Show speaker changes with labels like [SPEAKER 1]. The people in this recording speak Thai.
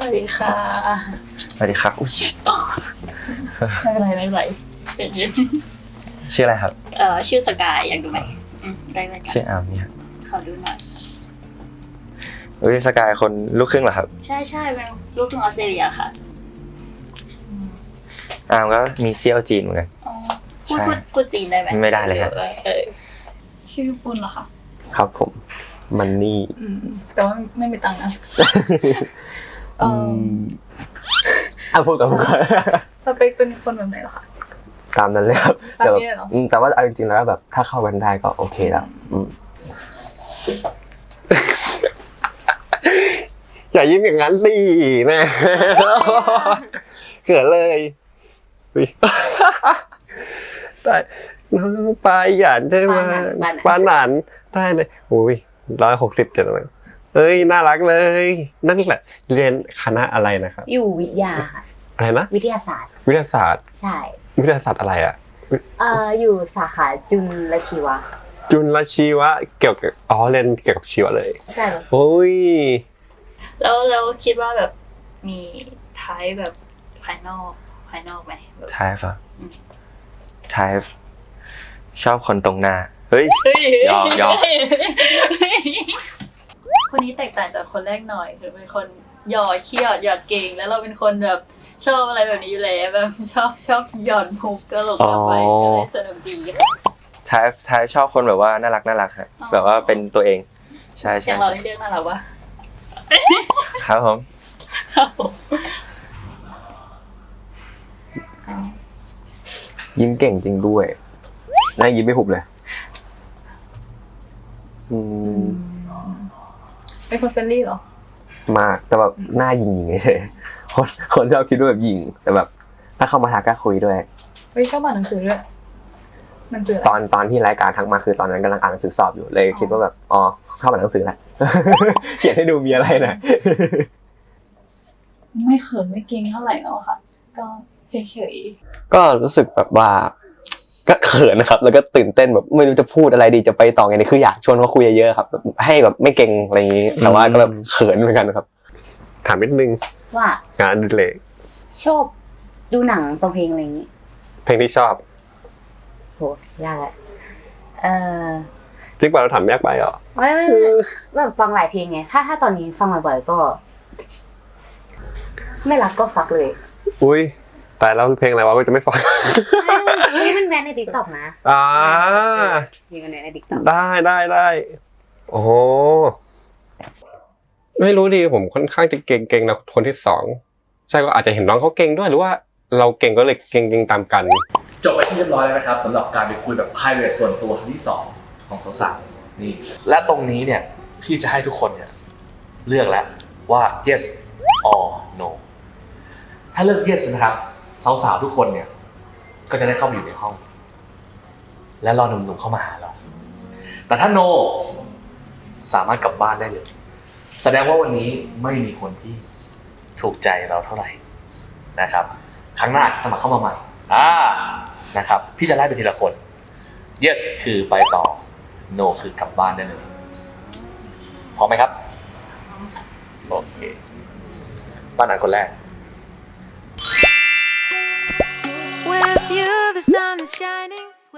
[SPEAKER 1] วัสดีค่ะ
[SPEAKER 2] สวัสดีครับอุ้ย
[SPEAKER 1] ไม่เป็นไรไม่เป็นไรเป็นยิ้ม
[SPEAKER 2] ชื่ออะไรครับ
[SPEAKER 1] ชื่อสกายอยากดูไหมได้ไหม
[SPEAKER 2] ชื่ออาร์มเนี่ย
[SPEAKER 1] ขอดูหน่อย
[SPEAKER 2] สกายคนลูกครึ่งเหรอครับ
[SPEAKER 1] ใช่เป็นลูกครึ่งออสเตรเลียค่ะ
[SPEAKER 2] อาร์มก็มีเซี่ยวจีนเหมือนกัน
[SPEAKER 1] พูดจีนได้ไหม
[SPEAKER 2] ไม่ได้เลยครับ
[SPEAKER 1] ชื่อปุ้นเหรอคะ
[SPEAKER 2] ครับผมมันนี่
[SPEAKER 1] แต่ว่าไม่มีตังค์นะ
[SPEAKER 2] พูดกับผมก่อน
[SPEAKER 1] สเปคเป็นคนแบบไหนเหรอคะ
[SPEAKER 2] ตามนั้นเลยครับแต่ว่าเอาจริงๆแล้วแบบถ้าเข้ากันได้ก็โอเคแล้วอย่ายิ้มอย่างนั้นดิแม่เกิดเลยได้น้องปลาหยานใช่ไหมปลาหนานได้เลยอุ้ย167เลยน่ารักเลยนั่นแหละเรียนคณะอะไรนะครับ
[SPEAKER 3] อยู่วิทยา
[SPEAKER 2] อะไรนะ
[SPEAKER 3] วิทยาศาสตร์ใช่
[SPEAKER 2] วิทยาศาสตร์อะไรอ่ะ
[SPEAKER 3] อยู่สาขาจุลชีวะ
[SPEAKER 2] เกี่ยวกับเรียนเกี่ยวกับชีวะเลย
[SPEAKER 3] ใช่
[SPEAKER 2] โอ้ย
[SPEAKER 1] แล้วคิดว่าแบบมีไทป์แบบภายนอกไหม
[SPEAKER 2] ไทป์อ่ะไทป์ชอบคนตรงหน้าเฮ้ยยอม
[SPEAKER 1] คนนี้แตกต่างจากคนแรกหน่อยคือเป็นคนหยอดขี้หยอดเก่งแล้วเราเป็นคนแบบชอบอะไรแบบนี้อยู่แล้วแบบชอบหยอดมุกตลกไปก็เลยสนุกดี
[SPEAKER 2] ไทป์ชอบคนแบบว่าน่ารักฮะแบบว่าเป็นตัวเองใช่
[SPEAKER 1] อย่างเราที่เรียกน่ารักวะ
[SPEAKER 2] ครับผมยิ้มเก่งจริงด้วยน่ายิ้มไม่หุบเลย
[SPEAKER 1] เป็นคนเฟรนลี่เหรอ
[SPEAKER 2] มากแต่แบบหน้ายิงเฉยคนชอบคิดว่าแบบยิงแต่แบบถ้าเข้ามาทักก็คุยด้วย
[SPEAKER 1] ชอบอ่านหนังสือด้วยมันคือ
[SPEAKER 2] ตอนที่รายการทักมาคือตอนนั้นกำลังอ่านหนังสือสอบอยู่เลยคิดว่าแบบชอบอ่านหนังสือแหละเขียนให้ดูมีอะไรนะ
[SPEAKER 1] ไม่เขินไม่เก่งเท่าไหร่แล้วค่ะก็เฉย
[SPEAKER 2] ก็รู้สึกแบบว่าก็เขินนะครับแล้วก็ตื่นเต้นแบบไม่รู้จะพูดอะไรดีจะไปต่อไงนี่คืออยากชวนเขาคุยเยอะๆครับให้แบบไม่เก่งอะไรอย่างนี้แต่ว่าก็แบบเขินเหมือนกันครับถามนิดนึง
[SPEAKER 3] ว่าง
[SPEAKER 2] านเล็ก
[SPEAKER 3] ชอบดูหนังฟังเพลงอะไรอย่างนี้
[SPEAKER 2] เพลงที่ชอบ
[SPEAKER 3] โหยากเลย
[SPEAKER 2] จริงป่ะเราถามยากไปเหรอ
[SPEAKER 3] ไม่แบบฟังหลายเพลงไงถ้าตอนนี้ฟังบ่อยๆก็ไม่รักก็ฟักเลย
[SPEAKER 2] อุ้ยแต่แล้วเพลงอะไรวะก็จะไม่ฟัง
[SPEAKER 3] นี่มันแบนใน TikTok นะมีกันใน TikTok
[SPEAKER 2] ได้โอ้ไม่รู้ดีผมค่อนข้างจะเก่งนะคนที่2ใช่ก็อาจจะเห็นน้องเขาเก่งด้วยหรือว่าเราเก่งก็เลยเก่งตามกัน
[SPEAKER 4] จบไปที่เรียบร้อยแล้วนะครับสำหรับการไปคุยแบบ private ส่วนตัวครั้งที่2ของสาวๆนี่และตรงนี้เนี่ยพี่จะให้ทุกคนเนี่ยเลือกแล้วว่า yes or no ถ้าเลือก yes นะครับสาวๆทุกคนเนี่ยก็จะได้เข้าไปอยู่ในห้องและรอหนุ่มๆเข้ามาหาเราแต่ถ้า no สามารถกลับบ้านได้เลยแสดงว่าวันนี้ไม่มีคนที่ถูกใจเราเท่าไหร่นะครับครั้งหน้าสมัครเข้ามาใหม่นะครับพี่จะไล่ไปทีละคน yes คือไปต่อ no คือกลับบ้านได้เลยพร้อมไหมครับโอเคบ้านไหนคนแรก
[SPEAKER 5] With you the sun is shining